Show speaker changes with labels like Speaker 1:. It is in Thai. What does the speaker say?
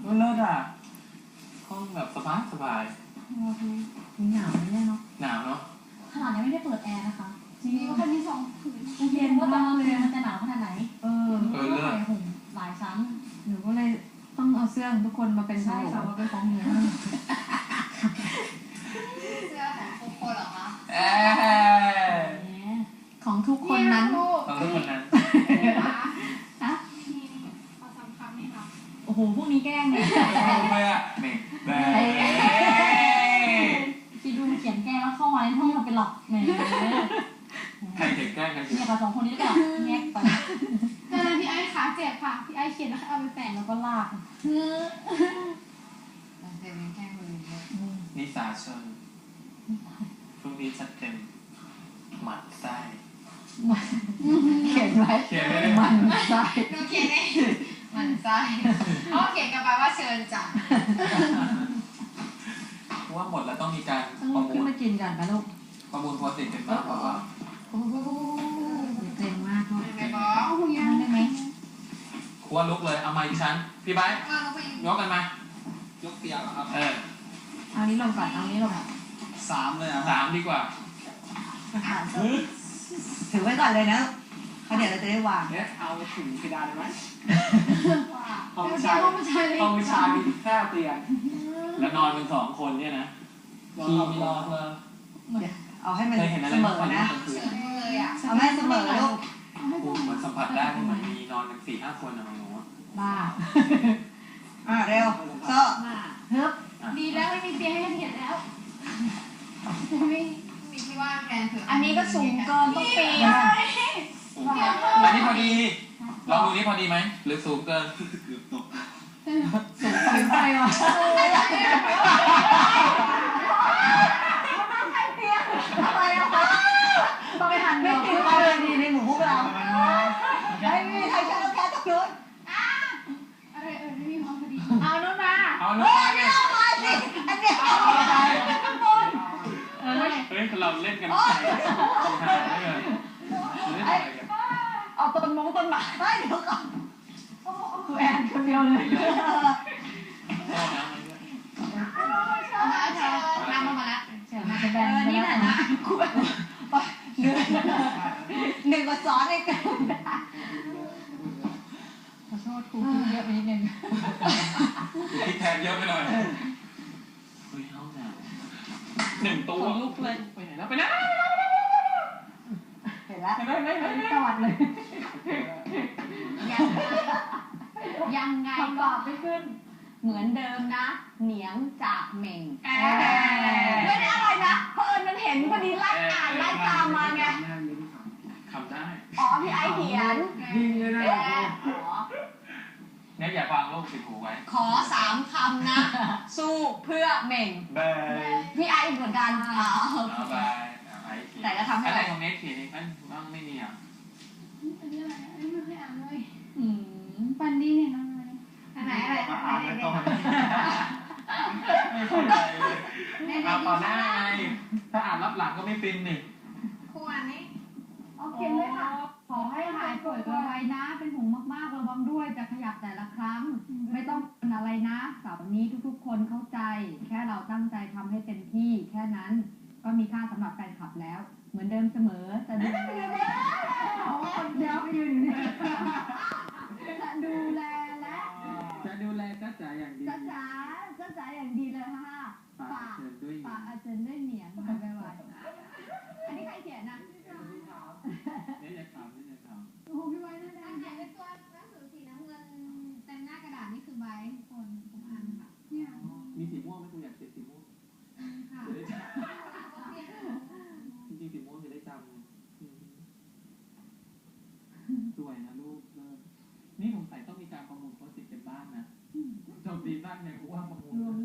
Speaker 1: เลิศอ่ะห้องแบบสบายสบาย
Speaker 2: หนาวไม่แน่เนาะ
Speaker 1: หนาวเนาะ
Speaker 3: ขนาดยังไม่ได้เปิดแอร์นะคะจริงๆก็แค่มี2 ผืน
Speaker 2: เย็นมากเลย
Speaker 3: มันจะหนาวขนาดไหนก็ใส่ห่มหลายชั้น
Speaker 2: หนูก็เลยต้องเอาเสื้อทุกคนมาเป็นของหนูมาเป็นของหนู
Speaker 4: เสื้อของทุกคนเหรอคะ
Speaker 2: ของทุกคนนั้น
Speaker 1: ของทุกคนนั้น
Speaker 4: ฮะขอ3 คำนี่ค่ะ
Speaker 3: โอ้โหพวกนี้แกล้งเนี่ย
Speaker 1: ไม่อะเมกแบ
Speaker 3: คิดดูเขียนแกล้งแล้วเข้ามาในห้องเราเป็นหลอกแหม
Speaker 1: ใครเขียนแกล้งกัน
Speaker 3: เนี่ยกับ2 คนนี้ก็แยกไป
Speaker 4: ตอนนั้นพี่ไอ้ขาเจ็บค่ะพี่ไอ้เขียนแล้วเอาไปแปะ
Speaker 3: แล้วก็ลาก
Speaker 4: เจ็บแค่มือ
Speaker 1: นิสาชนช่วงนี้จัดเต็มหมัดไส้
Speaker 2: เขียนไว้มันไส้
Speaker 4: หนูเขียนเองมันไส้เขาเขียนกันไปว่าเชิญจ้ะ
Speaker 1: ว่าหมดแล้วต้องมีการ
Speaker 2: ประมูลขึ้นมากินกันนะลูก
Speaker 1: ประมูลโพสต์ติดเป็นบ้างเปล่า
Speaker 2: เจ๋งมากเลย
Speaker 4: ไม่บอก
Speaker 3: ยังได้ไหม
Speaker 1: ครัวลุกเลยเอาไม้ชั้นพี่ไบค์ยกกันมายกเตียงเหรอครับ
Speaker 2: เอานี้ลงก่อนเอานี้ลง
Speaker 1: 3เลยอ่ะ3ดีกว่า
Speaker 2: ถือไว้ก่อนเลยนะเขาเดี๋ยวเราจะได้วาง
Speaker 1: เนี่ยเอาถึงกระดานเลยไหม
Speaker 4: ห้องชาย
Speaker 1: มีแค่เตียงแล้วนอนเป็น2 คนเนี่ยนะพี่ไม่รอเธอ
Speaker 2: เอาให้มันเสมอนะเอาให้เสมอลูก
Speaker 1: เหมือนสัมผัสได้เหมือนมีนอนกัน4-5 คนนะหนู
Speaker 2: บ้าเร็วโซ่
Speaker 4: ฮึบดีแล้วไม่มีเตียงให้เห็นแล้วไม่มีที่ว่างแทนเถอะ
Speaker 3: อันนี้ก็สูงเกินต้องปีน
Speaker 1: อันนี้พอดีลองดูนี่พอดีไหมหรือสูงเกิน
Speaker 2: สูงไปว่ะ
Speaker 3: ต้องไปหันเดียว
Speaker 2: คือเอาเลยดีในหมู่พวกเราไม่มีใครชอบแค่ตะกรุด
Speaker 4: อะไรไม่มีความพอดี
Speaker 3: เอาโน่นมา
Speaker 1: เอาโน่นมา
Speaker 2: เนี่ยอันเนี้ย
Speaker 1: เฮ้ยเราเล่นกันใช่
Speaker 2: เอาต้นไม้ไม่เดี๋ยวก่อนแอนคนเดียวเลย
Speaker 4: น้ำมาแล้ว
Speaker 3: นี่แหละนะ
Speaker 2: หนึ่งก็ซ้อนเอง
Speaker 3: ขอโทษครูคิดเยอะไปนิดนึง
Speaker 1: คิดแทนเยอะไปหน่อยเฮ้ยห้องน้ำ1 ตัว
Speaker 3: ลุกเลย
Speaker 1: ไปไหนแล้วไปไหน
Speaker 2: เห็นแล้ว
Speaker 3: ตวัดเลย
Speaker 4: ยังไง
Speaker 3: ก็ไม่ขึ้นเหมือนเดิมนะเหนียงจากเหม่งไม่ได้อะไรนะเพราะมันเห็นพอดีไล่อ่านไล่ตามมาไง
Speaker 1: คำได้
Speaker 3: พี่ไอเขียน
Speaker 1: ยิงเลยนะเนี่ยอย่าฟังลูกติดหูไว้
Speaker 3: ขอ3 คำนะสู้เพื่อเหม่งพี่ไอเหมือนกันแต่ก็ทำให้
Speaker 1: อะไรของเน็ตเขียนเองบ้างไม่มีอ่ะ
Speaker 4: อันนี้อะไรอันนี้ไม่เคยอ่านเลยปันดีเนี่ยน้องอะไรอันไหนอะไร
Speaker 1: ไม่เข้าใจเลยต่อหน้าไงถ้าอ่านรับหลังก็ไม่ฟินนี่
Speaker 4: ครูอ่านนี้
Speaker 3: โอเคเลยค่ะขอให้หายป่วยไวๆนะเป็นห่วงมากๆระวังด้วยจะขยับแต่ละครั้งไม่ต้องเป็นอะไรนะสาวนี้ทุกๆคนเข้าใจแค่เราตั้งใจทำให้เต็มที่แค่นั้นก็มีค่าสำหรับแฟนคลับแล้วเหมือนเดิมเสมอจะดู
Speaker 4: คนเดียวอยู่นี่จะดูแลและ
Speaker 1: จ้าจ๋าอย่างดี
Speaker 4: จ้าจ๋าอย่างดีเลยค่ะฝากอาจารย์ด้วยเหนียงไปไวอันนี้ใครเขียนนะ
Speaker 1: เนี่ยจะถาม
Speaker 4: โอ้โหพี่ไว้น่ารักเขียนเป็นตัวหนังสือสีน้ำเงินเต็มหน้ากระดาษนี่คือใบคนผมอ่านค่ะเนี่ย
Speaker 1: มีสีม่วงไหมคุณอยากเขียนสีม่วง
Speaker 4: ค่ะ
Speaker 1: จริงๆสีม่วงจะได้จำสวยนะลูกนี่สงสัยต้องมีการประมูลโพสต์ติดกันบ้านนะจบดีบ้านเนี่ยกูว่าประมูล